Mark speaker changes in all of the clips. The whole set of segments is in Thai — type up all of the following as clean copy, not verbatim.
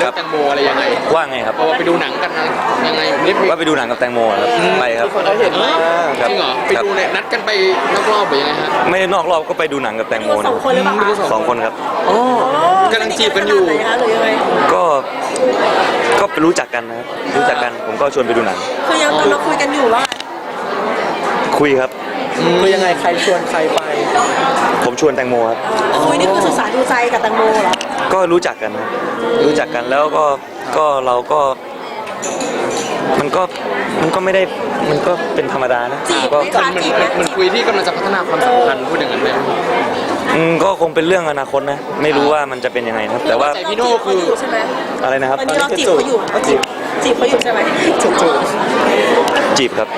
Speaker 1: รื่องแตงโมอะไรยังไง
Speaker 2: ว่าไงครับ
Speaker 1: ว่าไปดูหนังกันยังไง
Speaker 2: ว่าไปดูหนังกับแตงโมครับไปครับ
Speaker 1: เราเห็นจริงเหรอไปดูเนี่ยนัดกันไปนอกรอบหรือยังไงฮะ
Speaker 2: ไม่ได้นอกรอบก็ไปดูหนังกับแตงโม
Speaker 3: 2 คนหรือเปล่าคะ
Speaker 2: 2 คนครับ
Speaker 1: อ๋อกำลังจีบกันอยู่
Speaker 3: หรือยังไง
Speaker 2: ก็ไปรู้จักกันนะครับรู้จักกันผมก็ชวนไปดูหนัง
Speaker 3: คือยังเราคุยกันอยู่ว่า
Speaker 2: คุยครับ
Speaker 1: คือยังไงใครชวนใครไป
Speaker 2: ผมชวนแตงโมครับ
Speaker 3: คุยนี่คือศึกษาดูใจกับแตงโมเหรอ
Speaker 2: ก็รู้จักกันครับรู้จักกันแล้วก็เราก็มันก็ไม่ได้มันก็เป็นธรรมดานะ
Speaker 3: ก็
Speaker 1: มันคุยที่กำลังจะพัฒนาความสัมพันธ์พูดอย่างนั้นไหม
Speaker 2: ก็คงเป็นเรื่องอนาคตนะไม่รู้ว่ามันจะเป็นยังไงครับแต่ว่า
Speaker 1: พี่โน่คือ
Speaker 3: ใช่ไหม
Speaker 2: อะไรนะครับ
Speaker 3: ตอนนี้เราจีบเขาอยู่จีบเขาอยู่ใช่ไหม
Speaker 2: จีบครับ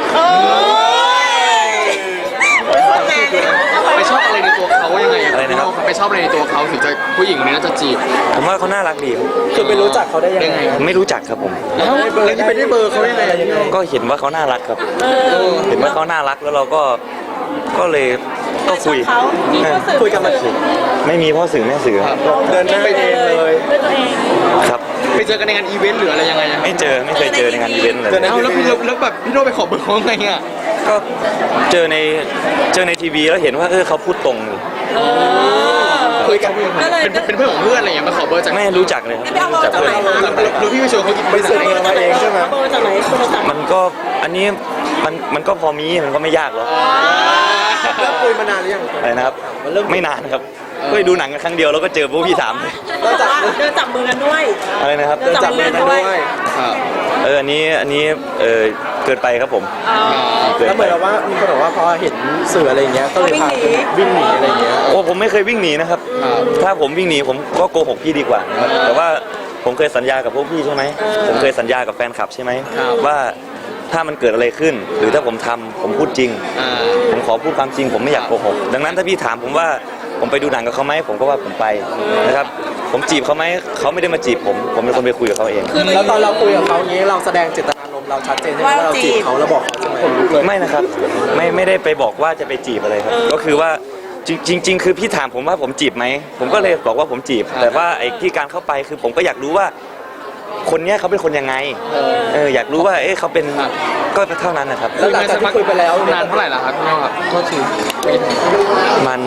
Speaker 1: ไปชอบอะไรในตัวเขายังไง
Speaker 2: อะไรนะครับ
Speaker 1: ไปชอบอะไรในตัวเขาถึงจะผู้หญิงคนนี้น่าจะจีบ
Speaker 2: ผมว่าเขาน่ารักดี
Speaker 1: คือไปรู้จักเขาได้ยังไง
Speaker 2: ไม่รู้จักครับผม
Speaker 1: แล้วไปได้เบอร์เขายังไง
Speaker 2: ก็เห็นว่าเขาน่ารักครับเห็นว่าเขาน่ารักแล้วเราก็เลยก็คุยกันมาไม่มีพ่อสื่อแม่สื่อ
Speaker 1: เดินหน้าไปเองเลย
Speaker 2: ครับ
Speaker 1: ไปเจอกันในงานอีเวนต์หรืออะไรยังไง
Speaker 2: ไม่เคยเจอในงานอีเวนต์เลย
Speaker 1: แล้วแบบพี่โน่ไปขอเบอร์เขาไงอ่ะ
Speaker 2: ก็เจอในทีวีแล้วเห็นว่าเขาพูดตรง
Speaker 1: คุยกันเป็นเพื่อนของเพื่อนอะไรอย่างเงี้ยมาขอเบอร์จาก
Speaker 2: ไม่รู้จักเลยครับ
Speaker 3: จากเพื่อน
Speaker 1: แล้วพี่ไปชวนเขาไปซื้อมาเองใช่ไหม
Speaker 3: เบอร์จากไหน
Speaker 2: มันก็อันนี้มันก็พอมีมันก็ไม่ยากหรอก
Speaker 1: เริ่มคุยมานานหรือยัง
Speaker 2: อะไรนะครับไม่นานครับก็ดูหนังกันครั้งเดียวแล้วก็เจอพวกพี่ถาม
Speaker 3: เดินจับมือกันด้วย
Speaker 2: อะไรนะครับ
Speaker 3: เดินจับมือกันด้วย
Speaker 2: อันนี้เกินไปครับผม
Speaker 1: แล้วเหมือนว่ามีคนบอกว่าพอเห็นสื่ออะไรเงี้ยก็เลยพาวิ่งหนีอะไรเงี้ย
Speaker 2: โอ้ผมไม่เคยวิ่งหนีนะครับถ้าผมวิ่งหนีผมก็โกหกพี่ดีกว่าแต่ว่าผมเคยสัญญากับพวกพี่ใช่ไหมผมเคยสัญญากับแฟนคลับใช่ไหมว่าถ้ามันเกิดอะไรขึ้นหรือถ้าผมทำผมพูดจริงผมขอพูดความจริงผมไม่อยากโกหกดังนั้นถ้าพี่ถามผมว่าผมไปดูหนังกับเขาไหมผมก็ว่าผมไปนะครับผมจีบเขาไหมเขาไม่ได้มาจีบผมเป็นคนไปคุยกับเขาเอง
Speaker 1: แล้วตอนเราคุยกับเขาอย่างนี้เราแสดงเจตนารมณ์เราชัดเจนใช่ไหมว่าเราจีบเขาแล้วบอกเขาใช่ไหมผมรู้เลย
Speaker 2: ไม่นะครับไม่ได้ไปบอกว่าจะไปจีบอะไรครับก็คือว่าจริงคือพี่ถามผมว่าผมจีบไหมผมก็เลยบอกว่าผมจีบแต่ว่าไอ้ที่การเข้าไปคือผมก็อยากรู้ว่าคนนี้เขาเป็นคนยังไงอยากรู้ว่าเขาเป็นก็เท่านั้นนะครับ
Speaker 1: แล้วหลังจากที่คุยไปแล้วนานเท่าไหร่ล่ะครับพี่น้องครับโทษที
Speaker 2: มัน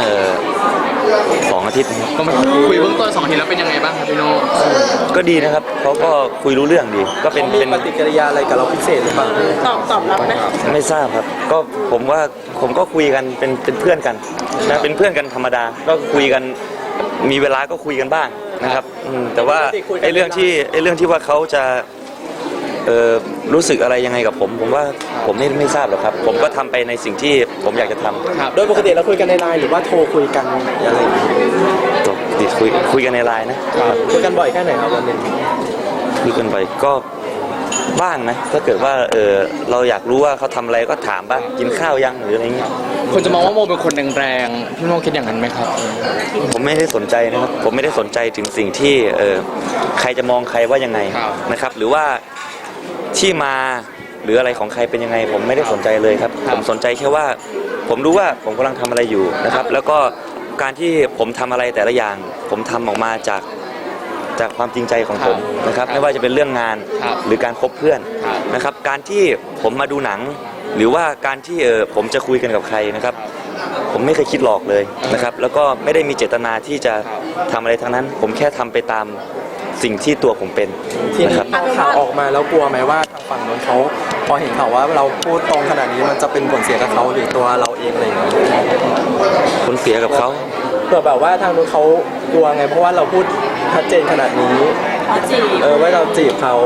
Speaker 2: 2 อาทิตย์
Speaker 1: ก็มาคุยเบื้องต้น2 อาทิตย์แล้วเป็นยังไงบ้างครับพี่โน่
Speaker 2: ก็ดีนะครับเขาก็คุยรู้เรื่องดีก็เป็น
Speaker 1: ปฏิกิริยาอะไรกับเราพิเศษหรือเปล่า
Speaker 3: ตอบรับไหม
Speaker 2: ไม่ทราบครับก็ผมก็คุยกันเป็นเพื่อนกันนะเป็นเพื่อนกันธรรมดาก็คุยกันมีเวลาก็คุยกันบ้างนะครับแต่ว่าไอ้เรื่องที่ว่าเขาจะรู้สึกอะไรยังไงกับผมว่าผมไม่ทราบหรอกครับผมก็ทำไปในสิ่งที่ผมอยากจะทำ
Speaker 1: โดยปกติเราคุยกันในไลน์หรือว่าโทรคุยกันอะไร
Speaker 2: ติดคุยกันในไลน์นะ
Speaker 1: คุยกันบ่อยแค่ไหนครับวันนึง
Speaker 2: คุยกันบ่อยก็บ้างนะถ้าเกิดว่าเราอยากรู้ว่าเขาทำอะไรก็ถามบ้างกินข้าวยังหรืออะไรเงี้ย
Speaker 1: คนจะมองว่าโมเป็นคนแรงๆพี่โมคิดอย่างนั้นไหมครับ
Speaker 2: ผมไม่ได้สนใจนะครับผมไม่ได้สนใจถึงสิ่งที่ใครจะมองใครว่ายังไงนะครับหรือว่าที่มาหรืออะไรของใครเป็นยังไงผมไม่ได้สนใจเลยครับผมสนใจแค่ว่าผมรู้ว่าผมกำลังทำอะไรอยู่นะครับแล้วก็การที่ผมทำอะไรแต่ละอย่างผมทำออกมาจากความจริงใจของผมนะครับไม่ว่าจะเป็นเรื่องงานหรือการคบเพื่อนนะครับการที่ผมมาดูหนังหรือว่าการที่ผมจะคุยกันกับใครนะครับผมไม่เคยคิดหลอกเลยนะครับแล้วก็ไม่ได้มีเจตนาที่จะทำอะไรทั้งนั้นผมแค่ทำไปตามสิ่งที่ตัวผมเป็น
Speaker 1: นะครับข่าวออกมาแล้วกลัวไหมว่าทางฝั่งนู้นเขาพอเห็นข่าวว่าเราพูดตรงขนาดนี้มันจะเป็นผลเสียกับเขาหรือตัวเราเองอะไรอย่างเงี้ย
Speaker 2: ผลเสียกับเขา
Speaker 1: เผื่อแบบว่าทางนู้นเขากลัวไงเพราะว่าเราพูดชัดเจนขนาดนี้ว่าเราจีบเขา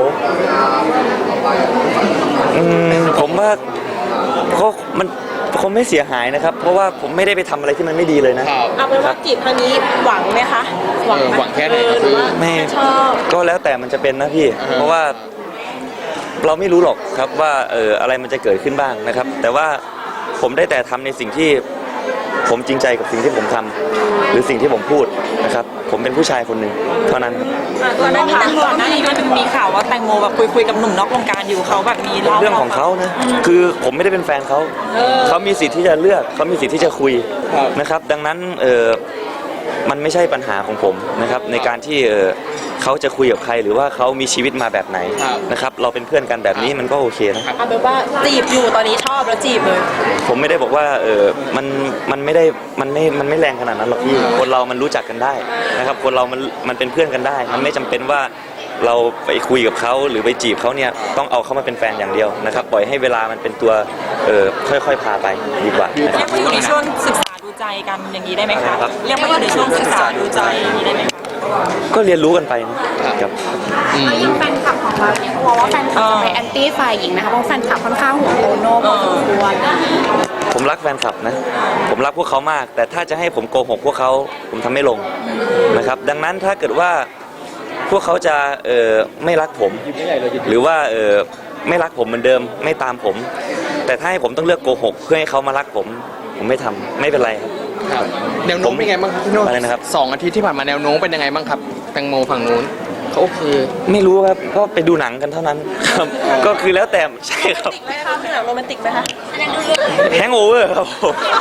Speaker 2: ผมว่ามันคงไม่เสียหายนะครับเพราะว่าผมไม่ได้ไปทำอะไรที่มันไม่ดีเลยนะ
Speaker 3: เอาเป็นว่าจีบครั้งนี้หวังไหมคะ
Speaker 1: หวังแค่ไหน
Speaker 3: หรือว่า
Speaker 2: ไม่
Speaker 3: ชอบ
Speaker 2: ก็แล้วแต่มันจะเป็นนะพี่เพราะว่าเราไม่รู้หรอกครับว่าอะไรมันจะเกิดขึ้นบ้างนะครับแต่ว่าผมได้แต่ทำในสิ่งที่ผมจริงใจกับสิ่งที่ผมทำหรือสิ่งที่ผมพูดนะครับผมเป็นผู้ชายคนหนึ่งเท่านั้น
Speaker 3: ก่อนหน้านี้มันมีข่าวว่าแตงโมแบบคุยกับหนุ่มนอกวงการอยู่เขาแบบมี
Speaker 2: เรื่องของเขานะคือผมไม่ได้เป็นแฟนเขาเขามีสิทธิ์ที่จะเลือกเขามีสิทธิ์ที่จะคุยนะครับดังนั้นมันไม่ใช่ปัญหาของผมนะครับในการที่เขาจะคุยกับใครหรือว่าเขามีชีวิตมาแบบไหนนะครับเราเป็นเพื่อนกันแบบนี้มันก็โอเคนะครับ
Speaker 3: เอาเป็นว่าจีบอยู่ตอนนี้ชอบแล้วจีบเลย
Speaker 2: ผมไม่ได้บอกว่ามันไม่ได้มันไม่แรงขนาดนั้นหรอกพี่คนเรามันรู้จักกันได้นะครับคนเรามันเป็นเพื่อนกันได้มันไม่จำเป็นว่าเราไปคุยกับเขาหรือไปจีบเขาเนี่ยต้องเอาเขามาเป็นแฟนอย่างเดียวนะครับปล่อยให้เวลามันเป็นตัวค่อยๆพาไปดีกว่านะค
Speaker 3: เรี
Speaker 2: รั
Speaker 3: ย
Speaker 2: บ
Speaker 3: กว่าอยู่ในช่วงศึกษาดูใจกันอย่างนี้ได้ไหมคะ
Speaker 2: ครับ
Speaker 3: เรียกว่าอยู่ในช่วงศึกษาดูใจอย่างนี้ได้ไหมคะ
Speaker 2: ก็เรียนรู้กันไปนะครับ
Speaker 4: แล้วยิ่งแฟนคลับของเราเนี่ยกลัวว่าแฟนคลับจะไปแอนตี้ฝ่ายหญิงนะคะเพราะแฟนคลับค่อนข้างห่วงโตโน่พอสมควร
Speaker 2: ผมรักแฟนคลับนะผมรักพวกเขามาก แต่ถ้าจะให้ผมโกหกพวกเขาผมทำไม่ลงนะครับดังนั้นถ้าเกิดว่าพวกเขาจะไม่รักผมหรือว่าไม่รักผมเหมือนเดิมไม่ตามผม แต่ถ้าให้ผมต้องเลือกโกหกเพื่อให้เขามารักผมไม่ทำไม่เป็นไรครับ
Speaker 5: ครับแนวโน้มเป็นไงบ้างครับพี่โน่
Speaker 2: อะไรนะครับ
Speaker 5: 2 อาทิตย์ที่ผ่านมาแนวโน้มเป็นยังไงบ้างครับแตงโมฝั่งนู้นเขาโอเค
Speaker 2: ไม่รู้ครับก็ไปดูหนังกันเท่านั้นครับก็คือแล้วแต่ใช่ครับ
Speaker 3: ติดไหมคะเป็นหนังโรแมนติกไหมคะ
Speaker 2: แฮงโอเวอร์ครับผม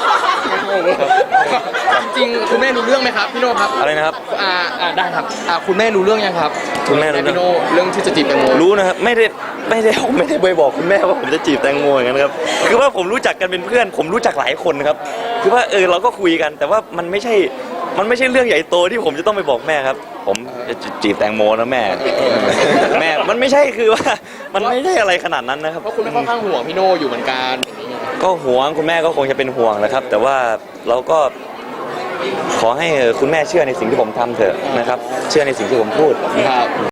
Speaker 5: จริงๆคุณแม่รู้เรื่องไหมครับพี่โน่ครับ
Speaker 2: อะไรนะครับ
Speaker 5: ได้ครับคุณแม่รู้เรื่องยังครับ
Speaker 2: คุณแม่รู้เรื่อง
Speaker 5: พี่โน่เรื่องที่จะจีบแตงโม
Speaker 2: รู้นะครับไม่ได้ไปบอกคุณแม่ว่าผมจะจีบแตงโมอย่างนั้นครับคือว่าผมรู้จักกันเป็นเพื่อน ผมรู้จักหลายคนครับคือว่าเราก็คุยกัน แต่ว่ามันไม่ใช่เรื่องใหญ่โตที่ผมจะต้องไปบอกแม่ครับ ผมจะจีบแตงโมนะแม่แม่มันไม่ใช่คือว่ามันไม่ใช่อะไรขนาดนั้นนะครับ
Speaker 5: เพราะคุณแม่ค่อนข้างห่วงพี่โน่อยู่เหมือนกัน
Speaker 2: ก็ห่วงคุณแม่ก็คงจะเป็นห่วงนะครับ แต่ว่าเราก็ขอให้คุณแม่เชื่อในสิ่งที่ผมทำเถอะนะครับ เชื่อในสิ่งที่ผมพูด
Speaker 5: ครับ